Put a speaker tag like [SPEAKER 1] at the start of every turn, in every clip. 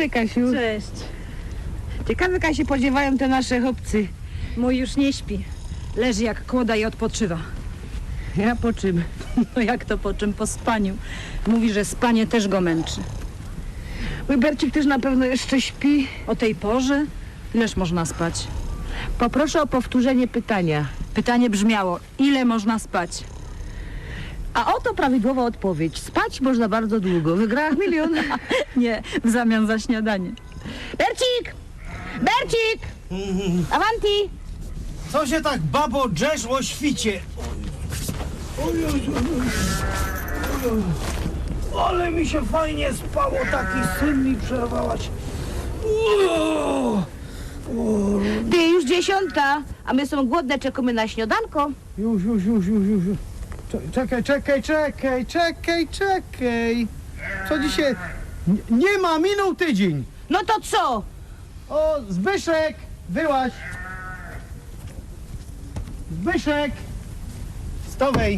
[SPEAKER 1] dobry, Kasiu.
[SPEAKER 2] Cześć.
[SPEAKER 1] Ciekawe, jak się podziewają te nasze chłopcy.
[SPEAKER 2] Mój już nie śpi. Leży jak kłoda i odpoczywa.
[SPEAKER 1] Ja po czym?
[SPEAKER 2] No jak to po czym? Po spaniu. Mówi, że spanie też go męczy.
[SPEAKER 1] Mój Bercik też na pewno jeszcze śpi.
[SPEAKER 2] O tej porze? Ileż można spać?
[SPEAKER 1] Poproszę o powtórzenie pytania.
[SPEAKER 2] Pytanie brzmiało, ile można spać?
[SPEAKER 1] A oto prawidłowa odpowiedź. Spać można bardzo długo. Wygrałam 1 000 000.
[SPEAKER 2] Nie, w zamian za śniadanie.
[SPEAKER 1] Bercik! Bercik! Avanti!
[SPEAKER 3] Co się tak, babo, drzesz o świcie? Ale mi się fajnie spało, taki syn mi przerwałaś.
[SPEAKER 1] Ty, już 10, a my są głodne, czekamy na śniadanko.
[SPEAKER 3] Już. Czekaj. Co dzisiaj? Nie ma, minął tydzień.
[SPEAKER 1] No to co?
[SPEAKER 3] O, Zbyszek, wyłaź. Zbyszek. Stowej.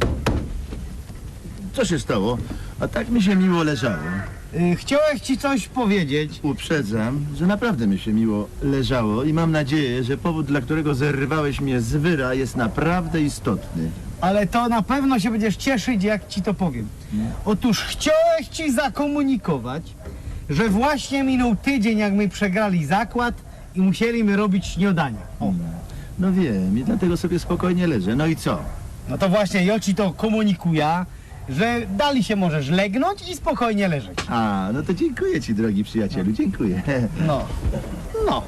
[SPEAKER 4] Co się stało? A tak mi się miło leżało.
[SPEAKER 3] Chciałeś ci coś powiedzieć.
[SPEAKER 4] Uprzedzam, że naprawdę mi się miło leżało i mam nadzieję, że powód, dla którego zerwałeś mnie z wyra, jest naprawdę istotny.
[SPEAKER 3] Ale to na pewno się będziesz cieszyć, jak ci to powiem. Otóż chciałeś ci zakomunikować, że właśnie minął tydzień, jak my przegrali zakład i musieliśmy robić śniadanie. O.
[SPEAKER 4] No wiem i dlatego sobie spokojnie leżę. No i co?
[SPEAKER 3] No to właśnie ja ci to komunikuję, że dali się możesz legnąć i spokojnie leżeć.
[SPEAKER 4] A, no to dziękuję ci, drogi przyjacielu, dziękuję.
[SPEAKER 3] No.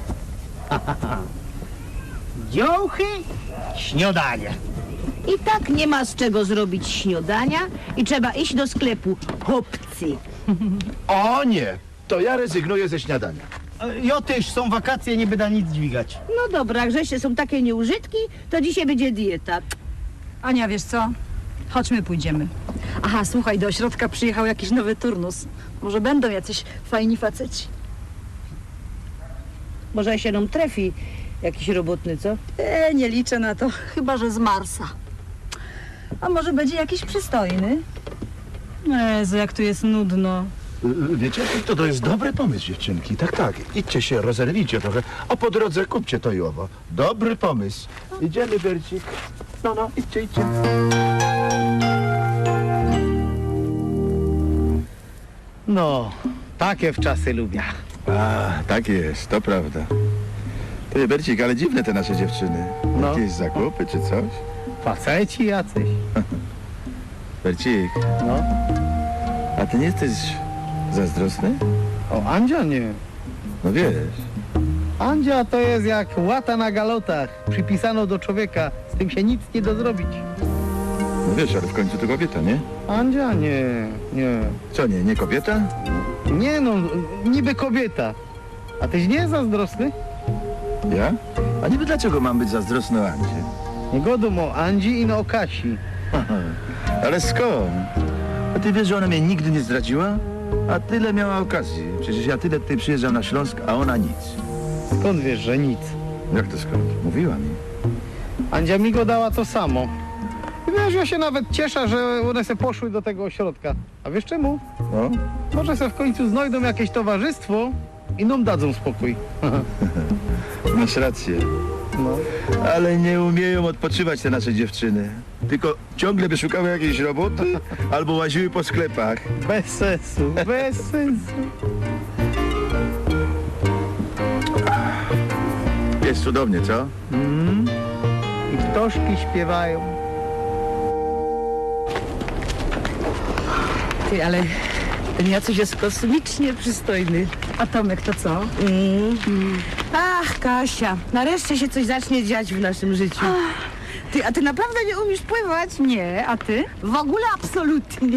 [SPEAKER 3] Dziołchy, śniadanie.
[SPEAKER 1] I tak nie ma z czego zrobić śniadania i trzeba iść do sklepu. Chłopcy.
[SPEAKER 4] O nie, to ja rezygnuję ze śniadania.
[SPEAKER 3] Ja też, są wakacje, nie będę nic dźwigać.
[SPEAKER 1] No dobra, jak żeście są takie nieużytki, to dzisiaj będzie dieta.
[SPEAKER 2] Ania, wiesz co? Chodźmy, pójdziemy. Aha, słuchaj, do ośrodka przyjechał jakiś nowy turnus. Może będą jacyś fajni faceci.
[SPEAKER 1] Może się nam trafi jakiś robotny, co?
[SPEAKER 2] Nie liczę na to, chyba że z Marsa. A może będzie jakiś przystojny? Jezu, jak tu jest nudno.
[SPEAKER 4] Wiecie, to jest dobry pomysł, dziewczynki. Tak, idźcie się, rozerwijcie trochę, a po drodze kupcie to i owo. Dobry pomysł. Idziemy, Bercik. No, idźcie.
[SPEAKER 3] No, takie w czasy lubię.
[SPEAKER 4] A, tak jest, to prawda. Ty, Bercik, ale dziwne te nasze dziewczyny.
[SPEAKER 3] No.
[SPEAKER 4] Jakieś zakupy czy coś?
[SPEAKER 3] Faceci jacyś.
[SPEAKER 4] Bercik,
[SPEAKER 3] No.
[SPEAKER 4] a ty nie jesteś zazdrosny?
[SPEAKER 3] O, Andzia nie.
[SPEAKER 4] No wiesz.
[SPEAKER 3] Andzia to jest jak łata na galotach. Przypisano do człowieka. Z tym się nic nie da zrobić.
[SPEAKER 4] No wiesz, ale w końcu to kobieta, nie?
[SPEAKER 3] Andzia nie.
[SPEAKER 4] Co nie kobieta?
[SPEAKER 3] Nie no, niby kobieta. A tyś nie jest zazdrosny?
[SPEAKER 4] Ja? A niby dlaczego mam być zazdrosny o Andzie?
[SPEAKER 3] Nie godą o Andzi i no o Kasi.
[SPEAKER 4] Ale skąd? A ty wiesz, że ona mnie nigdy nie zdradziła? A tyle miała okazji. Przecież ja tyle tutaj przyjeżdżam na Śląsk, a ona nic.
[SPEAKER 3] Skąd wiesz, że nic?
[SPEAKER 4] Jak to skąd? Mówiła mi.
[SPEAKER 3] Andzia mi go dała to samo. I wiesz, ja się nawet cieszę, że one se poszły do tego ośrodka. A wiesz czemu?
[SPEAKER 4] No?
[SPEAKER 3] Może se w końcu znajdą jakieś towarzystwo i nam dadzą spokój.
[SPEAKER 4] Masz rację.
[SPEAKER 3] No.
[SPEAKER 4] Ale nie umieją odpoczywać te nasze dziewczyny. Tylko ciągle by szukały jakiejś roboty albo łaziły po sklepach.
[SPEAKER 3] Bez sensu, bez sensu.
[SPEAKER 4] Jest cudownie, co?
[SPEAKER 3] I ptoszki śpiewają.
[SPEAKER 1] Ty, ale ten Jacuś jest kosmicznie przystojny.
[SPEAKER 2] A Tomek to co?
[SPEAKER 1] Ach, Kasia, nareszcie się coś zacznie dziać w naszym życiu. Ty, a ty naprawdę nie umiesz pływać?
[SPEAKER 2] Nie, a ty?
[SPEAKER 1] W ogóle absolutnie.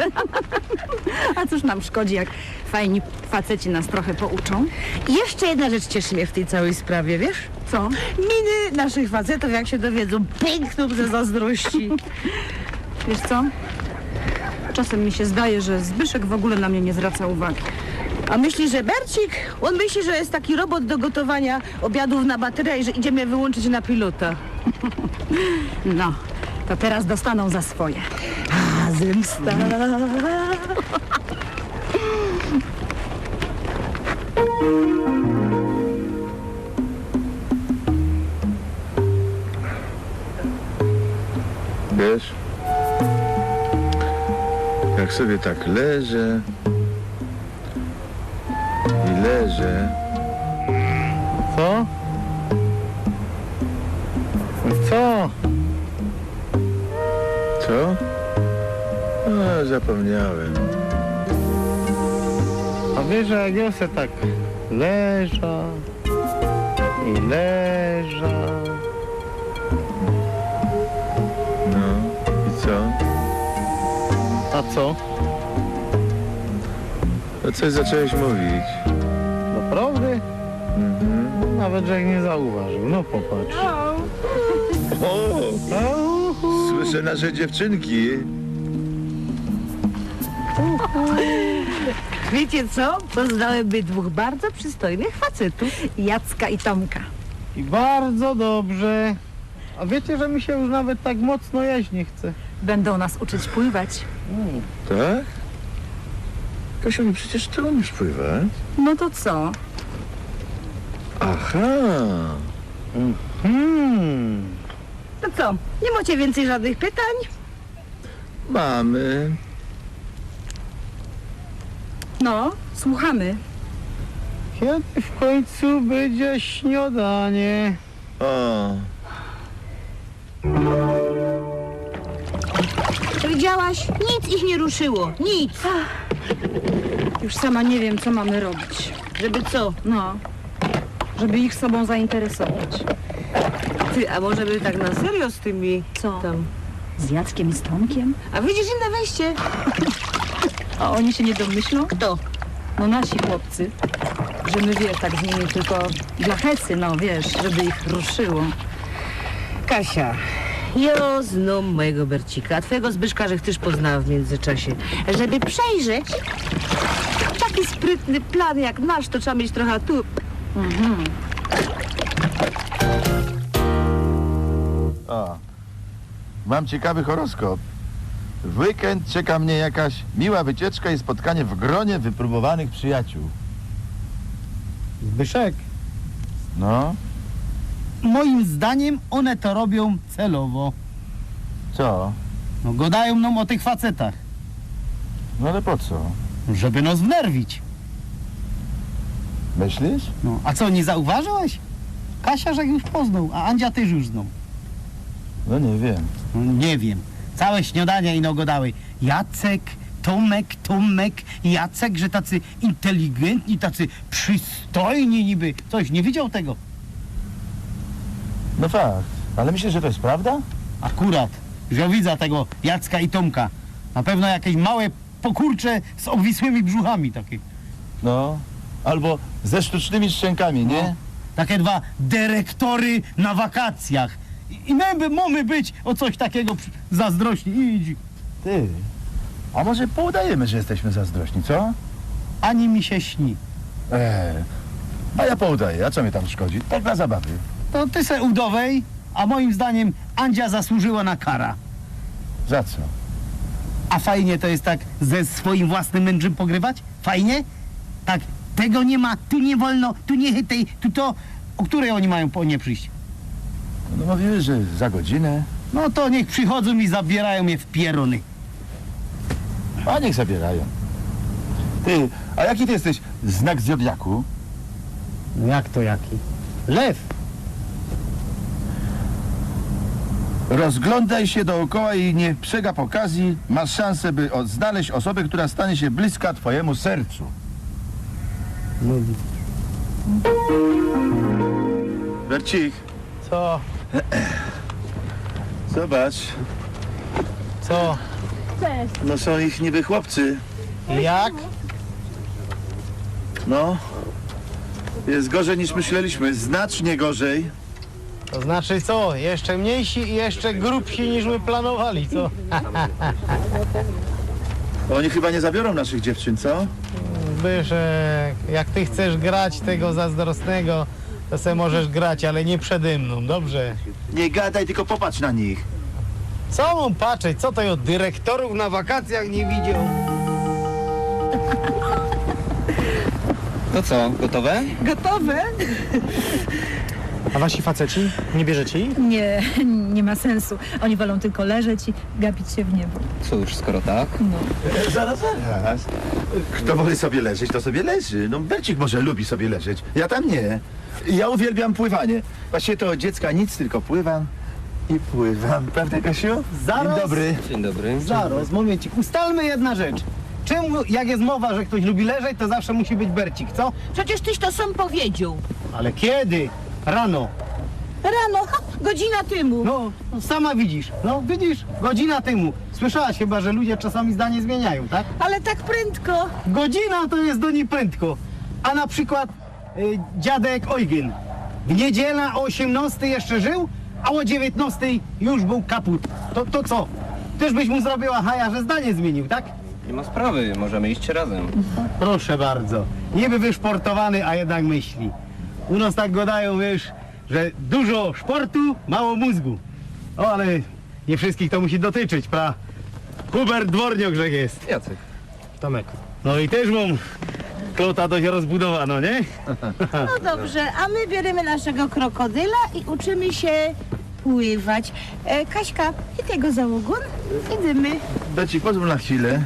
[SPEAKER 2] A cóż nam szkodzi, jak fajni faceci nas trochę pouczą?
[SPEAKER 1] I jeszcze jedna rzecz cieszy mnie w tej całej sprawie, wiesz?
[SPEAKER 2] Co?
[SPEAKER 1] Miny naszych facetów, jak się dowiedzą, pękną ze zazdrości.
[SPEAKER 2] Wiesz co? Czasem mi się zdaje, że Zbyszek w ogóle na mnie nie zwraca uwagi.
[SPEAKER 1] A myśli, że Bercik? On myśli, że jest taki robot do gotowania obiadów na baterię i że idziemy wyłączyć na pilota.
[SPEAKER 2] No, to teraz dostaną za swoje.
[SPEAKER 1] A, zemsta.
[SPEAKER 4] Wiesz, jak sobie tak leżę i leżę.
[SPEAKER 3] Co? Co?
[SPEAKER 4] Co? A, zapomniałem.
[SPEAKER 3] A wiesz, że jak ja se tak leża i leża.
[SPEAKER 4] No i co?
[SPEAKER 3] A co?
[SPEAKER 4] No coś zacząłeś mówić.
[SPEAKER 3] Naprawdę?
[SPEAKER 4] Mhm.
[SPEAKER 3] Nawet, że jak nie zauważył. No popatrz.
[SPEAKER 4] O, słyszę nasze dziewczynki.
[SPEAKER 1] Wiecie co? Poznałem dwóch bardzo przystojnych facetów.
[SPEAKER 2] Jacka i Tomka.
[SPEAKER 3] I bardzo dobrze. A wiecie, że mi się już nawet tak mocno jeść nie chce.
[SPEAKER 2] Będą nas uczyć pływać.
[SPEAKER 4] Tak? Kasiu, no przecież ty umiesz pływać.
[SPEAKER 2] No to co?
[SPEAKER 4] Aha.
[SPEAKER 1] To co? Nie macie więcej żadnych pytań?
[SPEAKER 4] Mamy.
[SPEAKER 2] No, słuchamy.
[SPEAKER 3] Kiedy w końcu będzie śniadanie?
[SPEAKER 4] O,
[SPEAKER 1] Widziałaś? Nic ich nie ruszyło. Nic.
[SPEAKER 2] Już sama nie wiem, co mamy robić.
[SPEAKER 1] Żeby co?
[SPEAKER 2] No, żeby ich sobą zainteresować.
[SPEAKER 1] Ty, a może by tak na serio z tymi...
[SPEAKER 2] Co?
[SPEAKER 1] Tam.
[SPEAKER 2] Z Jackiem i z Tomkiem?
[SPEAKER 1] A widzisz inne wejście?
[SPEAKER 2] A oni się nie domyślą?
[SPEAKER 1] Kto?
[SPEAKER 2] No nasi chłopcy. Że my, wiesz, tak z nimi tylko dla hecy, no wiesz, żeby ich ruszyło.
[SPEAKER 1] Kasia, ja znam mojego Bercika, a twojego Zbyszka, że też poznała w międzyczasie. Żeby przejrzeć taki sprytny plan jak nasz, to trzeba mieć trochę tu.
[SPEAKER 4] o. Mam ciekawy horoskop. W weekend czeka mnie jakaś miła wycieczka i spotkanie w gronie wypróbowanych przyjaciół.
[SPEAKER 3] Zbyszek,
[SPEAKER 4] No,
[SPEAKER 3] moim zdaniem one to robią celowo.
[SPEAKER 4] co?
[SPEAKER 3] No gadają nam o tych facetach,
[SPEAKER 4] No ale po co?
[SPEAKER 3] żeby nas wnerwić.
[SPEAKER 4] Myślisz?
[SPEAKER 3] No, a co, nie zauważyłeś? Kasia, że już poznał, a Andzia też już znał.
[SPEAKER 4] No nie wiem.
[SPEAKER 3] No, nie wiem. Całe śniadania ino gadały. Jacek, Tomek, Jacek, że tacy inteligentni, tacy przystojni niby. Coś, nie widział tego?
[SPEAKER 4] No fakt. Ale myślisz, że to jest prawda?
[SPEAKER 3] Akurat, że widzę tego Jacka i Tomka. Na pewno jakieś małe pokurcze z obwisłymi brzuchami takie.
[SPEAKER 4] No. Albo ze sztucznymi szczękami, nie?
[SPEAKER 3] No. Takie dwa dyrektory na wakacjach. I my mamy być o coś takiego zazdrośni. Idź.
[SPEAKER 4] Ty. A może poudajemy, że jesteśmy zazdrośni, co?
[SPEAKER 3] Ani mi się śni.
[SPEAKER 4] A ja poudaję, a co mnie tam szkodzi? Tak dla zabawy.
[SPEAKER 3] To ty se udowej, a moim zdaniem Andzia zasłużyła na kara.
[SPEAKER 4] Za co?
[SPEAKER 3] A fajnie to jest tak ze swoim własnym mężem pogrywać? Fajnie? Tak, tego nie ma, tu nie wolno, tu nie chytej, tu to... O której oni mają po nie przyjść?
[SPEAKER 4] No mówiły, że za godzinę.
[SPEAKER 3] No to niech przychodzą i zabierają je w pierony.
[SPEAKER 4] A niech zabierają. Ty, a jaki ty jesteś znak zodiaku?
[SPEAKER 3] No jak to jaki? Lew.
[SPEAKER 4] Rozglądaj się dookoła i nie przegap okazji. Masz szansę, by znaleźć osobę, która stanie się bliska twojemu sercu.
[SPEAKER 3] No,
[SPEAKER 4] Bercik,
[SPEAKER 3] co?
[SPEAKER 4] zobacz.
[SPEAKER 3] Co?
[SPEAKER 4] No są ich niby chłopcy.
[SPEAKER 3] Jak?
[SPEAKER 4] No. Jest gorzej niż myśleliśmy. Znacznie gorzej.
[SPEAKER 3] To znaczy co? Jeszcze mniejsi i jeszcze grubsi niż my planowali, co?
[SPEAKER 4] Oni chyba nie zabiorą naszych dziewczyn, co?
[SPEAKER 3] Zbyszek, jak ty chcesz grać tego zazdrosnego, to se możesz grać, ale nie przede mną, dobrze?
[SPEAKER 4] Nie gadaj, tylko popatrz na nich.
[SPEAKER 3] Co mam patrzeć? Co to ja od dyrektorów na wakacjach nie widział?
[SPEAKER 5] To co, gotowe?
[SPEAKER 2] Gotowe?
[SPEAKER 6] A wasi faceci? Nie bierzecie ich?
[SPEAKER 2] Nie, nie ma sensu. Oni wolą tylko leżeć i gapić się w niebo.
[SPEAKER 5] Cóż, skoro tak.
[SPEAKER 2] No.
[SPEAKER 4] Zaraz. Kto woli sobie leżeć, to sobie leży. No Bercik może lubi sobie leżeć. Ja tam nie. Ja uwielbiam pływanie. Właściwie to od dziecka nic, tylko pływam i pływam. Prawda, Kasiu?
[SPEAKER 3] Zaraz.
[SPEAKER 4] Dzień dobry.
[SPEAKER 5] Dzień dobry.
[SPEAKER 3] Zaraz, momencik. Ustalmy jedna rzecz. Czemu, jak jest mowa, że ktoś lubi leżeć, to zawsze musi być Bercik, co?
[SPEAKER 1] Przecież tyś to sam powiedział.
[SPEAKER 3] Ale kiedy? Rano.
[SPEAKER 1] Rano, godzina temu.
[SPEAKER 3] No, sama widzisz. No, widzisz? Godzina temu. Słyszałaś chyba, że ludzie czasami zdanie zmieniają, tak?
[SPEAKER 1] Ale tak prędko.
[SPEAKER 3] Godzina to jest do niej prędko. A na przykład dziadek Eugen. W niedzielę o 18 jeszcze żył, a o 19 już był kaput. To co? Też byś mu zrobiła haja, że zdanie zmienił, tak?
[SPEAKER 5] Nie ma sprawy, możemy iść razem.
[SPEAKER 3] Proszę bardzo. Niby wyszportowany, a jednak myśli. U nas tak gadają, wiesz, że dużo sportu, mało mózgu. O, ale nie wszystkich to musi dotyczyć, pra. Hubert Dworniok, że jest.
[SPEAKER 5] Jacek.
[SPEAKER 6] Tomek.
[SPEAKER 3] No i też mam klota dość rozbudowano, nie?
[SPEAKER 1] No dobrze, a my bierzemy naszego krokodyla i uczymy się pływać. Kaśka, i tego za ogon? Idziemy.
[SPEAKER 4] Bercik, pozwól na chwilę.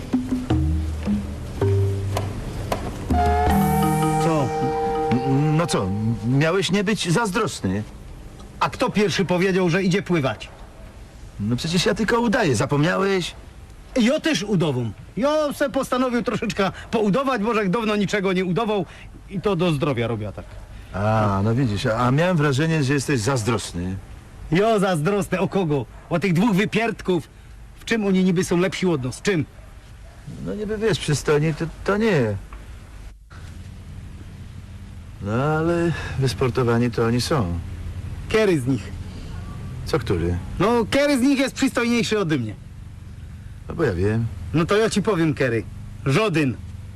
[SPEAKER 3] Co?
[SPEAKER 4] No co, miałeś nie być zazdrosny.
[SPEAKER 3] A kto pierwszy powiedział, że idzie pływać?
[SPEAKER 4] No przecież ja tylko udaję, zapomniałeś?
[SPEAKER 3] Ja też udową. Ja se postanowił troszeczkę poudować, bo że dawno niczego nie udawał i to do zdrowia robię tak.
[SPEAKER 4] A, no widzisz, a miałem wrażenie, że jesteś zazdrosny.
[SPEAKER 3] Jo, zazdrosny o kogo? O tych dwóch wypierdków. W czym oni niby są lepsi od nas? W czym?
[SPEAKER 4] No niby wiesz, przystojni to nie. No ale wysportowani to oni są.
[SPEAKER 3] Który z nich?
[SPEAKER 4] Co który?
[SPEAKER 3] No, który z nich jest przystojniejszy ode mnie?
[SPEAKER 4] No bo ja wiem.
[SPEAKER 3] No to ja ci powiem, który. Żaden.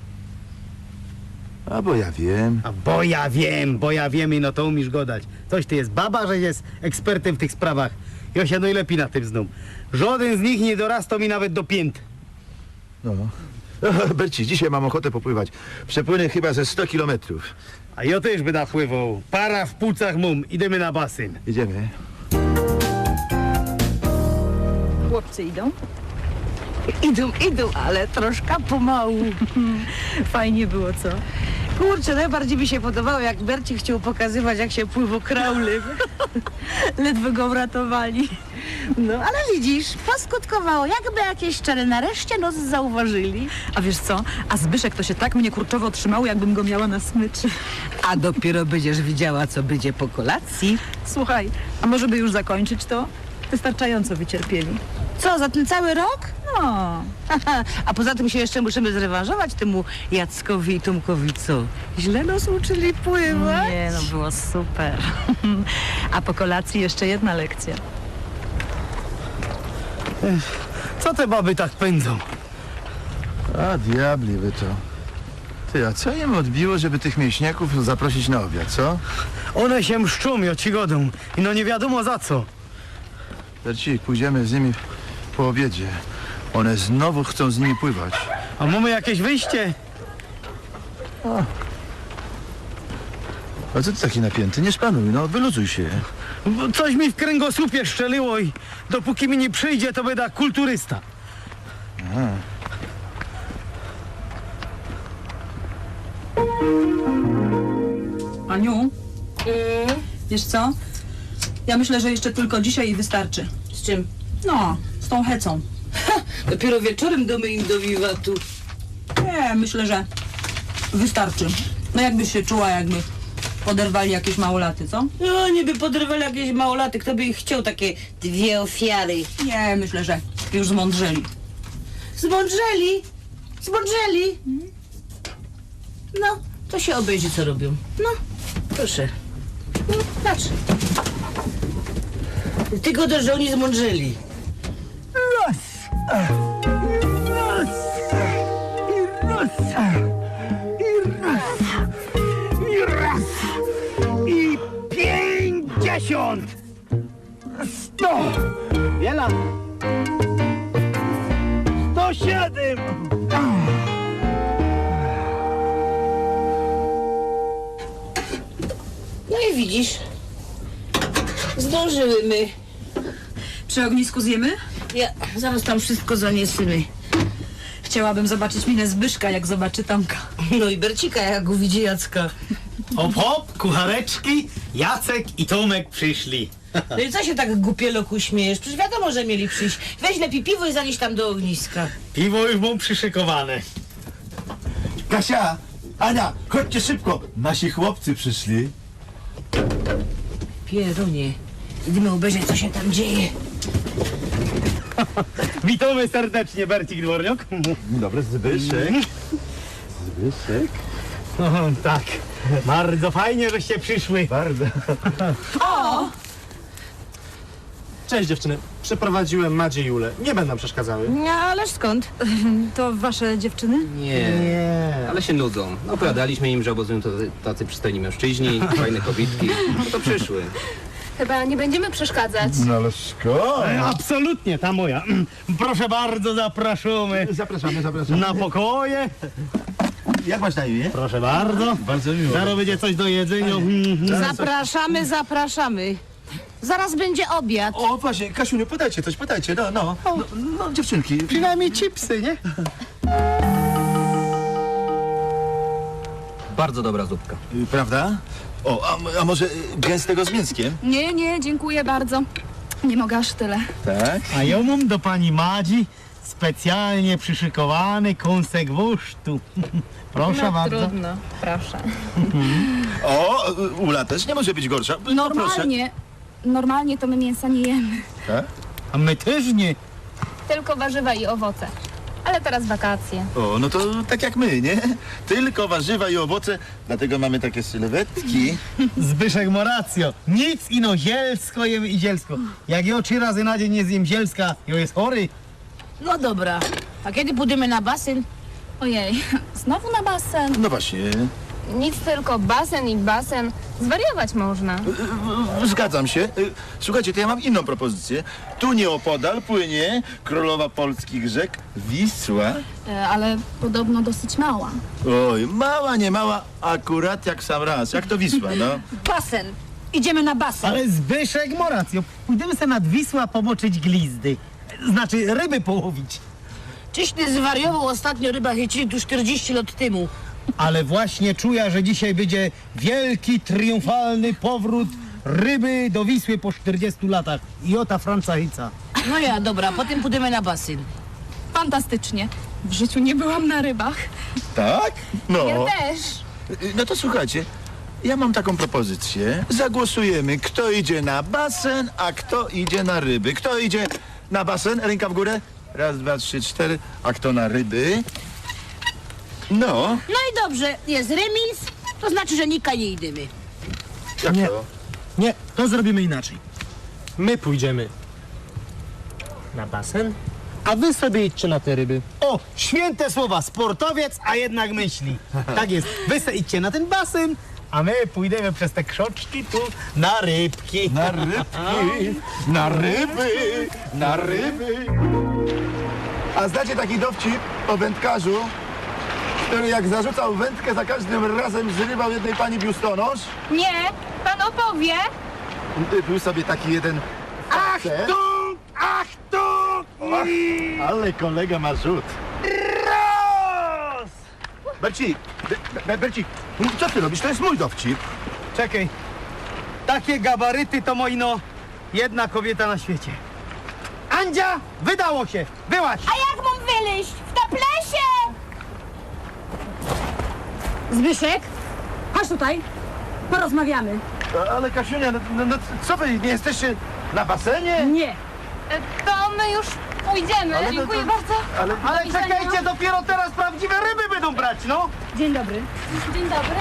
[SPEAKER 4] A bo ja wiem.
[SPEAKER 3] A bo ja wiem i no to umiesz godać. Coś ty jest baba, że jest ekspertem w tych sprawach. Ja się najlepiej na tym znam. Żaden z nich nie dorasta mi nawet do pięt.
[SPEAKER 4] No. Berci, dzisiaj mam ochotę popływać. Przepłynę chyba ze 100 kilometrów.
[SPEAKER 3] A ja też by napływał. Para w płucach mum. Idziemy na basen.
[SPEAKER 4] Idziemy.
[SPEAKER 2] Chłopcy idą?
[SPEAKER 1] Idą, ale troszkę pomału.
[SPEAKER 2] Fajnie było, co?
[SPEAKER 1] Kurczę, najbardziej mi się podobało, jak Bercik chciał pokazywać, jak się pływa kraulem.
[SPEAKER 2] Ledwo go uratowali.
[SPEAKER 1] No, ale widzisz, poskutkowało, jakby jakieś szczere nareszcie nos zauważyli.
[SPEAKER 2] A wiesz co? A Zbyszek to się tak mnie kurczowo trzymało, jakbym go miała na smyczy.
[SPEAKER 1] A dopiero będziesz widziała, co będzie po kolacji.
[SPEAKER 2] Słuchaj, a może by już zakończyć to? Wystarczająco wycierpieli.
[SPEAKER 1] Co, za ten cały rok?
[SPEAKER 2] No,
[SPEAKER 1] A poza tym się jeszcze musimy zrewanżować temu Jackowi i Tomkowi, co? Źle nas uczyli pływać?
[SPEAKER 2] nie, no było super. A po kolacji jeszcze jedna lekcja.
[SPEAKER 3] Co te baby tak pędzą?
[SPEAKER 4] A diabli wy to. Ty, a co im odbiło, żeby tych mięśniaków zaprosić na obiad, co?
[SPEAKER 3] One się mszczą, ja ci godą. I no nie wiadomo za co.
[SPEAKER 4] Bercik, pójdziemy z nimi po obiedzie. One znowu chcą z nimi pływać.
[SPEAKER 3] A mamy jakieś wyjście?
[SPEAKER 4] A co ty taki napięty? Nie szpanuj, no wyluzuj się.
[SPEAKER 3] Bo coś mi w kręgosłupie szczeliło i dopóki mi nie przyjdzie, to będę kulturysta.
[SPEAKER 2] Aniu, wiesz co? Ja myślę, że jeszcze tylko dzisiaj i wystarczy.
[SPEAKER 1] Z czym?
[SPEAKER 2] No, z tą hecą.
[SPEAKER 1] Dopiero wieczorem domy im do wiwatu.
[SPEAKER 2] Nie, myślę, że wystarczy. No jakbyś się czuła, jakby poderwali jakieś małolaty, co?
[SPEAKER 1] No, niby podrywali jakieś małolaty, kto by ich chciał, takie dwie ofiary.
[SPEAKER 2] Nie, myślę, że już zmądrzeli.
[SPEAKER 1] Zmądrzeli? Zmądrzeli? No, to się obejrzy, co robią. No, proszę. No, patrz. Tylko to, że oni zmądrzeli.
[SPEAKER 3] Raz! Raz! I raz! I raz! I raz! I 50! 100! Wiela! 107!
[SPEAKER 1] widzisz, zdążyłymy.
[SPEAKER 2] Przy ognisku zjemy?
[SPEAKER 1] Ja zaraz tam wszystko zaniesiemy.
[SPEAKER 2] Chciałabym zobaczyć minę Zbyszka, jak zobaczy Tomka.
[SPEAKER 1] No i Bercika, jak uwidzi Jacka.
[SPEAKER 3] Hop, hop, kuchareczki, Jacek i Tomek przyszli.
[SPEAKER 1] No i co się tak głupieloku śmiejesz? Przecież wiadomo, że mieli przyjść. Weź lepiej piwo i zanieś tam do ogniska.
[SPEAKER 3] Piwo już mam przyszykowane.
[SPEAKER 4] Kasia, Ania, chodźcie szybko. Nasi chłopcy przyszli.
[SPEAKER 1] Pierunie, idziemy obejrzeć, co się tam dzieje.
[SPEAKER 3] Witamy serdecznie, Bercik Dworniok.
[SPEAKER 4] Dzień dobry, Zbyszek. Zbyszek?
[SPEAKER 3] O, tak, bardzo fajnie, żeście przyszły.
[SPEAKER 4] Bardzo.
[SPEAKER 6] Cześć dziewczyny. Przeprowadziłem Madzie i Julę. Nie będą przeszkadzały.
[SPEAKER 1] No, ależ skąd?
[SPEAKER 2] To wasze dziewczyny?
[SPEAKER 5] Nie. Ale się nudzą. Opowiadaliśmy im, że obozują tacy przystojni mężczyźni, fajne kobitki. No to przyszły.
[SPEAKER 7] Chyba nie będziemy przeszkadzać.
[SPEAKER 4] No ale szkoda.
[SPEAKER 3] Absolutnie, ta moja. Proszę bardzo, zapraszamy
[SPEAKER 4] Zapraszamy, zapraszamy.
[SPEAKER 3] na pokoje.
[SPEAKER 4] Jak masz na imię?
[SPEAKER 3] Proszę bardzo.
[SPEAKER 4] Bardzo miło.
[SPEAKER 3] Zaraz będzie coś do jedzenia.
[SPEAKER 1] Zapraszamy, zapraszamy. Zaraz będzie obiad.
[SPEAKER 4] O, właśnie, Kasiuniu, podajcie coś, podajcie, no, dziewczynki.
[SPEAKER 3] Przynajmniej chipsy, nie?
[SPEAKER 5] Bardzo dobra zupka.
[SPEAKER 4] Prawda? O, a może gęstego z mięskiem?
[SPEAKER 7] Nie, nie, dziękuję bardzo. Nie mogę aż tyle.
[SPEAKER 4] Tak.
[SPEAKER 3] A ja mam do pani Madzi specjalnie przyszykowany kąsek wusztu. Proszę bardzo.
[SPEAKER 7] Trudno, proszę.
[SPEAKER 4] O, Ula też nie może być gorsza. No, proszę.
[SPEAKER 7] Normalnie to my mięsa nie jemy.
[SPEAKER 4] Tak?
[SPEAKER 3] A my też nie.
[SPEAKER 7] Tylko warzywa i owoce. Ale teraz wakacje.
[SPEAKER 4] O, no to tak jak my, nie? Tylko warzywa i owoce, dlatego mamy takie sylwetki.
[SPEAKER 3] Zbyszek ma rację. Nic ino zielsko jem i zielsko. Jak ja 3 razy na dzień nie zjem zielska, ja jest chory.
[SPEAKER 1] No dobra, a kiedy pójdziemy na basen?
[SPEAKER 7] Ojej, znowu na basen.
[SPEAKER 4] No właśnie.
[SPEAKER 7] Nic, tylko basen i basen. Zwariować można.
[SPEAKER 4] Zgadzam się. Słuchajcie, to ja mam inną propozycję. Tu nieopodal płynie królowa polskich rzek Wisła.
[SPEAKER 7] Ale podobno dosyć mała.
[SPEAKER 4] Oj, mała, nie mała, akurat jak sam raz. Jak to Wisła, no.
[SPEAKER 2] Basen! Idziemy na basen!
[SPEAKER 3] Ale Zbyszek ma rację. Pójdziemy sobie nad Wisła pomoczyć glizdy. Znaczy ryby połowić.
[SPEAKER 1] Czyś ty zwariował, ostatnio ryba chycili tu 40 lat temu.
[SPEAKER 3] Ale właśnie czuję, że dzisiaj będzie wielki, triumfalny powrót ryby do Wisły po 40 latach. I o ta Francahica.
[SPEAKER 1] No ja, dobra, potem pójdziemy na basen.
[SPEAKER 7] Fantastycznie. W życiu nie byłam na rybach.
[SPEAKER 4] Tak? No.
[SPEAKER 7] Ja też.
[SPEAKER 4] No to słuchajcie, ja mam taką propozycję. Zagłosujemy, kto idzie na basen, a kto idzie na ryby. Kto idzie na basen? Ręka w górę. 1, 2, 3, 4. A kto na ryby? No.
[SPEAKER 1] No i dobrze, jest remis, to znaczy, że nika nie idziemy.
[SPEAKER 4] Jak
[SPEAKER 3] Nie.
[SPEAKER 4] to?
[SPEAKER 3] Nie, to zrobimy inaczej. My pójdziemy na basen, a wy sobie idźcie na te ryby. O, święte słowa, sportowiec, a jednak myśli. Tak jest, wy sobie idźcie na ten basen, a my pójdziemy przez te krzoczki tu na rybki.
[SPEAKER 4] Na rybki, na ryby, na ryby. A znacie taki dowcip o wędkarzu, który jak zarzucał wędkę, za każdym razem zrywał jednej pani biustonosz?
[SPEAKER 7] Nie, pan opowie.
[SPEAKER 4] Był sobie taki jeden facet.
[SPEAKER 3] Ach tu!
[SPEAKER 4] Ale kolega ma rzut.
[SPEAKER 3] Raz!
[SPEAKER 4] Bercik, Bercik, co ty robisz? To jest mój dowcip.
[SPEAKER 3] Czekaj, takie gabaryty to moino jedna kobieta na świecie. Andzia, wydało się, byłaś!
[SPEAKER 7] A jak mam wyleźć? W toplesie!
[SPEAKER 2] Zbyszek, chodź tutaj. Porozmawiamy.
[SPEAKER 4] Ale Kasiunia, no co wy, nie jesteście na basenie?
[SPEAKER 2] Nie.
[SPEAKER 7] To my już pójdziemy.
[SPEAKER 4] Ale to-
[SPEAKER 7] Dziękuję
[SPEAKER 4] to-
[SPEAKER 7] bardzo.
[SPEAKER 3] Ale czekajcie, dopiero teraz prawdziwe ryby będą brać, no!
[SPEAKER 2] Dzień dobry.
[SPEAKER 7] Dzień dobry.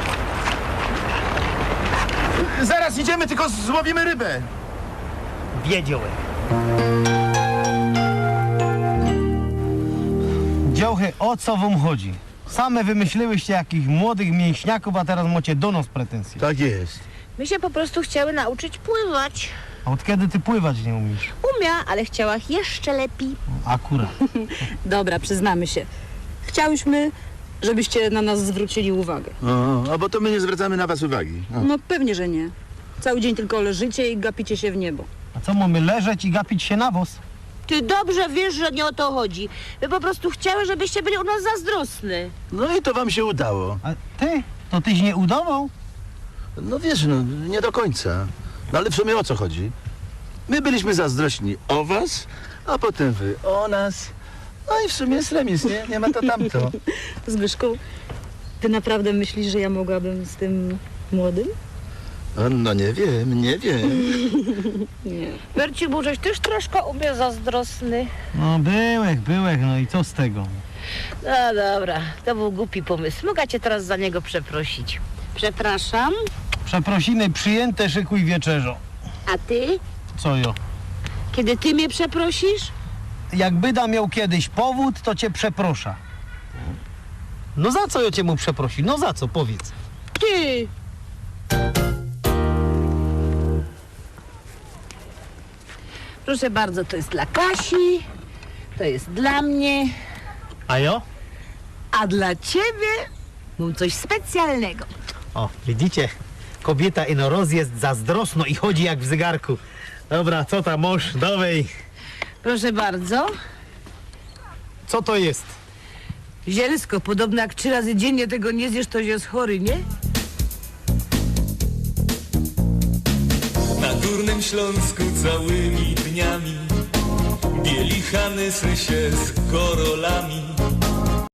[SPEAKER 4] Zaraz idziemy, tylko złowimy rybę.
[SPEAKER 3] Wiedziałem. Dziołchy, o co wam chodzi? Same wymyśliłyście jakichś młodych mięśniaków, a teraz macie do nas pretensje.
[SPEAKER 4] Tak jest.
[SPEAKER 1] My się po prostu chciały nauczyć pływać.
[SPEAKER 3] A od kiedy ty pływać nie umiesz?
[SPEAKER 1] Umia, ale chciała jeszcze lepiej.
[SPEAKER 3] Akurat.
[SPEAKER 2] Dobra, przyznamy się. Chciałyśmy, żebyście na nas zwrócili uwagę.
[SPEAKER 4] A bo to my nie zwracamy na was uwagi.
[SPEAKER 2] No pewnie, że nie. Cały dzień tylko leżycie i gapicie się w niebo.
[SPEAKER 3] A co, mamy leżeć i gapić się na wóz?
[SPEAKER 1] Ty dobrze wiesz, że nie o to chodzi. My po prostu chciały, żebyście byli u nas zazdrosny.
[SPEAKER 4] No i to wam się udało.
[SPEAKER 3] A ty? To tyś nie udawał?
[SPEAKER 4] No wiesz, no nie do końca. No ale w sumie o co chodzi? My byliśmy zazdrośni o was, a potem wy o nas. No i w sumie jest remis, nie? Nie ma to tamto.
[SPEAKER 2] Zbyszku, ty naprawdę myślisz, że ja mogłabym z tym młodym?
[SPEAKER 4] No nie wiem, nie wiem.
[SPEAKER 2] Nie.
[SPEAKER 1] Berci, żeś też troszkę u mnie zazdrosny.
[SPEAKER 3] No byłek, no i co z tego?
[SPEAKER 1] No dobra, to był głupi pomysł. Mogę cię teraz za niego przeprosić.
[SPEAKER 2] Przepraszam.
[SPEAKER 3] Przeprosiny przyjęte, szykuj wieczerzo.
[SPEAKER 1] A ty?
[SPEAKER 3] Co jo?
[SPEAKER 1] Kiedy ty mnie przeprosisz?
[SPEAKER 3] Jak Byda miał kiedyś powód, to cię przeprosza. No za co ja cię mu przeprosi? No za co, powiedz.
[SPEAKER 1] Ty! Proszę bardzo, to jest dla Kasi, to jest dla mnie,
[SPEAKER 3] A jo?
[SPEAKER 1] a dla ciebie mam coś specjalnego.
[SPEAKER 3] O, widzicie? Kobieta ino roz jest zazdrosno i chodzi jak w zegarku. Dobra, co tam mąż? Dowej.
[SPEAKER 1] Proszę bardzo.
[SPEAKER 3] Co to jest?
[SPEAKER 1] Zielsko, podobno jak 3 razy dziennie tego nie zjesz, to jest chory, nie?
[SPEAKER 8] Na Górnym Śląsku całymi dniami bieli Hanysy się z korolami.